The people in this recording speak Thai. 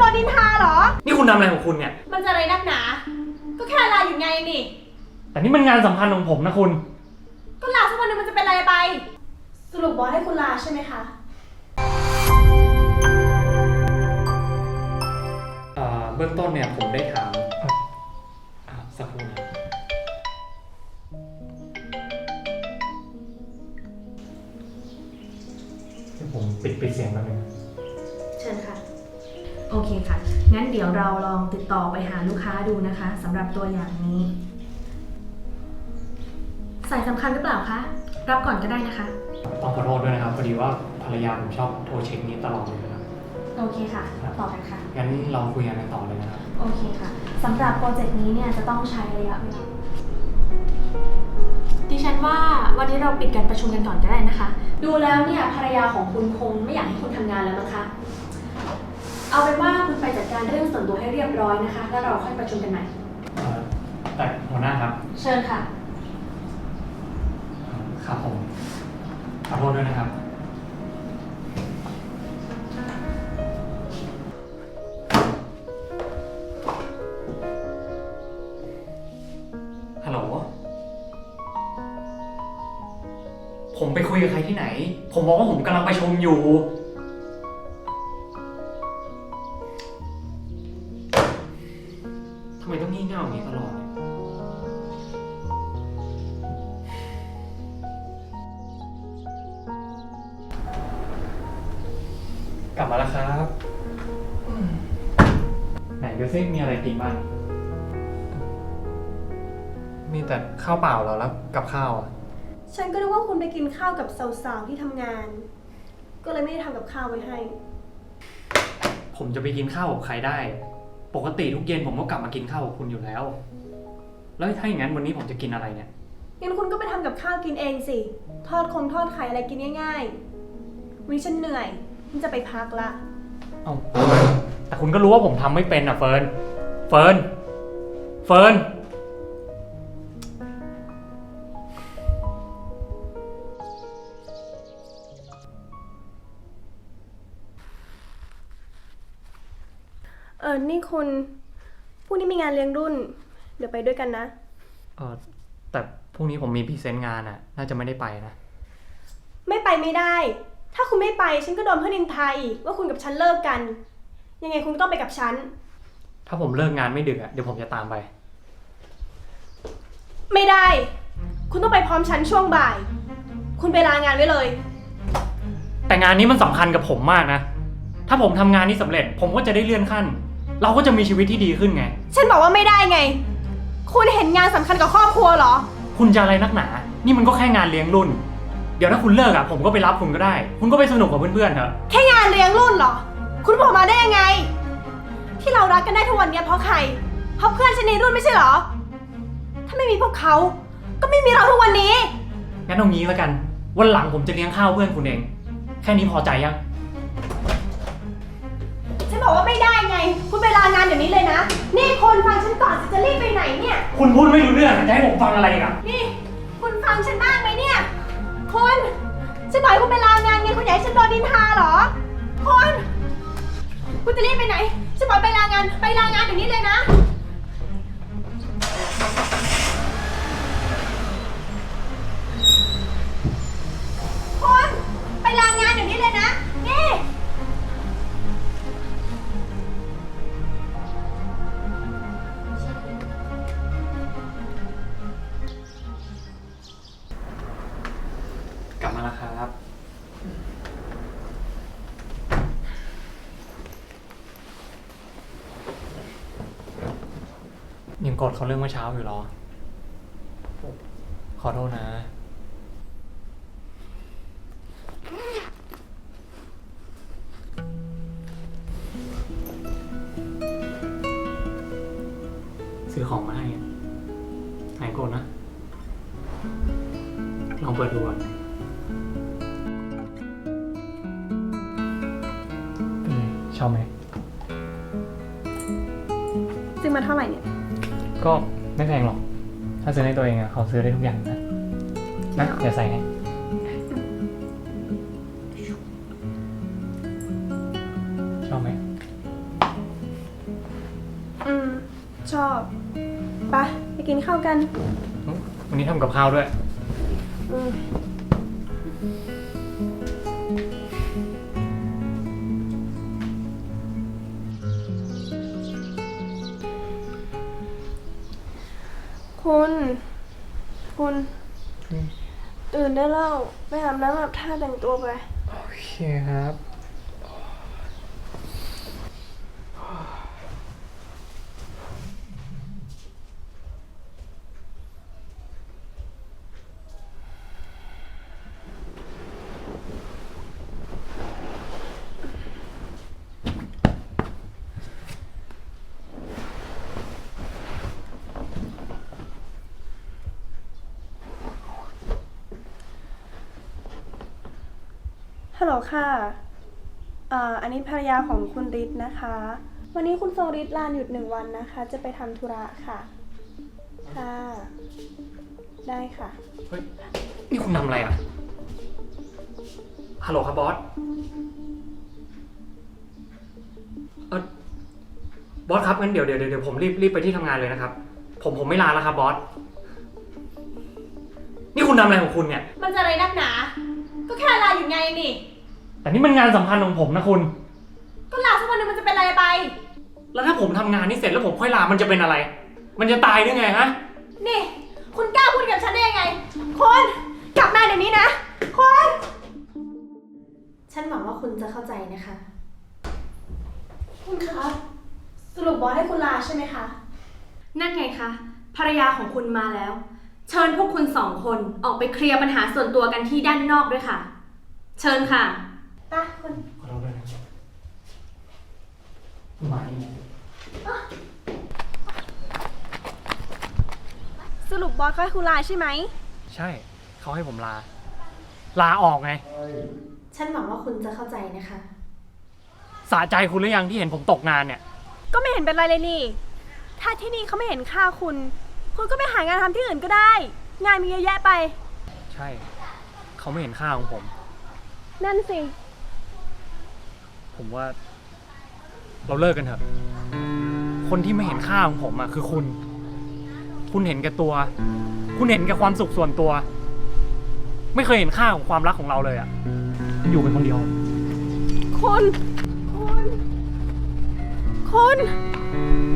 โดนนินทาเหรอนี่คุณทำอะไรของคุณเนี่ยมันจะอะไรนักหนาก็แค่ลาอยู่ไงนี่แต่นี่มันงานสำคัญของผมนะคุณก็ลาสักวันนึงมันจะเป็นอะไรไปสรุปบอสให้คุณลาใช่ไหมคะเบื้องต้นเนี่ยผมได้ถามสักครู่นะผมปิดเสียงแล้วนึงเชิญค่ะโอเคค่ะงั้นเดี๋ยวเราลองติดต่อไปหาลูกค้าดูนะคะสำหรับตัวอย่างนี้สายสำคัญหรือเปล่าคะรับก่อนก็ได้นะคะต้องขอโทษด้วยนะครับพอดีว่าภรรยาผมชอบโทรเช็คนี้ตลอดเลยนะครับโอเคค่ะต่อกันค่ะงั้นเราคุยกันต่อเลยนะครับโอเคค่ะสำหรับโปรเจกต์นี้เนี่ยจะต้องใช้ระยะเวลาดิฉันว่าวันนี้เราปิดการประชุมกันก่อนก็ได้นะคะดูแล้วเนี่ยภรรยาของคุณคงไม่อยากให้คุณทำงานแล้วนะคะเอาเป็นว่าคุณไปจัดการเรื่องส่วนตัวให้เรียบร้อยนะคะแล้วเราค่อยประชุมกันใหม่แต่หัวหน้าครับเชิญค่ะครับผมขอโทษด้วยนะครับฮัลโหลผมไปคุยกับใครที่ไหนผมบอกว่าผมกำลังประชุมอยู่ทำไมต้องงี่เง่าอย่างนี้ตลอดกลับมาแล้วครับไหนดูซิมีอะไรกินบ้างมีแต่ข้าวเปล่าแล้วกับข้าวอ่ะฉันก็นึกว่าคุณไปกินข้าวกับสาวๆที่ทำงานก็เลยไม่ได้ทำกับข้าวไว้ให้ผมจะไปกินข้าวกับใครได้ปกติทุกเย็นผมก็กลับมากินข้าวกับคุณอยู่แล้วแล้วถ้าอย่างนั้นวันนี้ผมจะกินอะไรเนี่ยงั้นคุณก็ไปทำกับข้าวกินเองสิทอดไข่อะไรกินง่ายๆวันนี้ฉันเหนื่อยฉันจะไปพักละแต่คุณก็รู้ว่าผมทำไม่เป็นอ่ะเฟิร์นนี่คุณพรุ่งนี้มีงานเลี้ยงรุ่นเดี๋ยวไปด้วยกันนะแต่พรุ่งนี้ผมมีพรีเซนต์งานอ่ะน่าจะไม่ได้ไปนะไม่ไปไม่ได้ถ้าคุณไม่ไปฉันก็โดนเพื่อนนินทาอีกว่าคุณกับฉันเลิกกันยังไงคุณก็ต้องไปกับฉันถ้าผมเลิกงานไม่ดึกอ่ะเดี๋ยวผมจะตามไปไม่ได้คุณต้องไปพร้อมฉันช่วงบ่ายคุณไปลางานไว้เลยแต่งานนี้มันสำคัญกับผมมากนะถ้าผมทำงานนี้สำเร็จผมก็จะได้เลื่อนขั้นเราก็จะมีชีวิตที่ดีขึ้นไงฉันบอกว่าไม่ได้ไงคุณเห็นงานสำคัญกับครอบครัวเหรอคุณจะอะไรนักหนานี่มันก็แค่งานเลี้ยงรุ่นเดี๋ยวถ้าคุณเลิกอ่ะผมก็ไปรับคุณก็ได้คุณก็ไปสนุกกับเพื่อนๆเถอะแค่งานเลี้ยงรุ่นเหรอคุณบอกมาได้ยังไงที่เรารักกันได้ทุกวันนี้เพราะใครเพราะเพื่อนฉันในรุ่นไม่ใช่เหรอถ้าไม่มีพวกเขาก็ไม่มีเราทุกวันนี้งั้นเอางี้แล้วกันวันหลังผมจะเลี้ยงข้าวเพื่อนคุณเองแค่นี้พอใจยังฉันบอกว่าไม่ได้ไงคุณไปลางานเดี๋ยวนี้เลยนะนี่คนฟังฉันก่อนจะรีบไปไหนเนี่ยคุณพูดไม่รู้เรื่องจะให้ผมฟังอะไรอีกอ่ะนี่คุณฟังฉันบ้างไหมเนี่ยคุณฉันบอกให้คุณไปลางานไงคุณอยากให้ฉันโดนนินทาเหรอคุณจะรีบไปไหนฉันบอกไปลางานเดี๋ยวนี้เลยนะคุณไปลางานเดี๋ยวนี้เลยนะนี่กลับมาแล้วครับยังกดเขาเรื่องเมื่อเช้าอยู่หรอขอโทษนะซื้อของมาให้หายโกรธนะลองเปิดดูก่อนชอบไหมซื้อมาเท่าไหร่เนี่ยก็ไม่แพงหรอกถ้าซื้อให้ตัวเองอะเขาซื้อได้ทุกอย่างนะเดี๋ยวใส่ให้ชอบไหมชอบไปกินข้าวกันวันนี้ทำกับข้าวด้วยอืมคุณตื่นได้แล้วไปอาบน้ำอาบท่าแต่งตัวไปโอเคครับฮัลโหลค่ะอันนี้ภรรยาของคุณฤทธิ์นะคะ วันนี้คุณทรงฤทธิ์ลาหยุด1 วันนะคะ จะไปทำธุระค่ะ ค่ะ ได้ค่ะเฮ้ย นี่คุณทำอะไรอ่ะ ฮัลโหลครับบอส บอสครับงั้นเดี๋ยวผมรีบไปที่ทำงานเลยนะครับ ผมไม่ลาแล้วครับบอส นี่คุณทำอะไรของคุณเนี่ยมันจะอะไรนักหนา ก็แค่ลาอยู่ไงนี่แต่นี่มันงานสำคัญของผมนะคุณก็ลาสักวันหนึงมันจะเป็นอะไรไปแล้วถ้าผมทำงานนี้เสร็จแล้วผมค่อยลา มันจะเป็นอะไร มันจะตายหรือไงฮะนี่ คุณกล้าพูดกับฉันได้ยังไงคนกลับมาเดี๋ยวนี้นะคนฉันหวังว่าคุณจะเข้าใจนะคะคุณคะสรุปบอสให้คุณลาใช่ไหมคะนั่นไงคะ ภรรยาของคุณมาแล้ว เชิญพวกคุณ2 คนออกไปเคลียร์ปัญหาส่วนตัวกันที่ด้านนอกด้วยค่ะ เชิญค่ะไปคุณขอโทษด้วยนะมาอีกสรุปบอสก็ให้คุณลาใช่ไหมใช่ เขาให้ผมลา ลาออกไงฉันหวังว่าคุณจะเข้าใจนะคะสะใจคุณหรือยังที่เห็นผมตกงานเนี่ยก็ไม่เห็นเป็นไรเลยนี่ ถ้าที่นี่เขาไม่เห็นค่าคุณ คุณก็ไปหางานทำที่อื่นก็ได้ งานมีเยอะแยะไปใช่ เขาไม่เห็นค่าของผมนั่นสิผมว่า เราเลิกกันเถอะ คนที่ไม่เห็นค่าของผมอะคือคุณ คุณเห็นแก่ตัว คุณเห็นแก่ความสุขส่วนตัว ไม่เคยเห็นค่าของความรักของเราเลยอะอยู่เป็นคนเดียวคุณ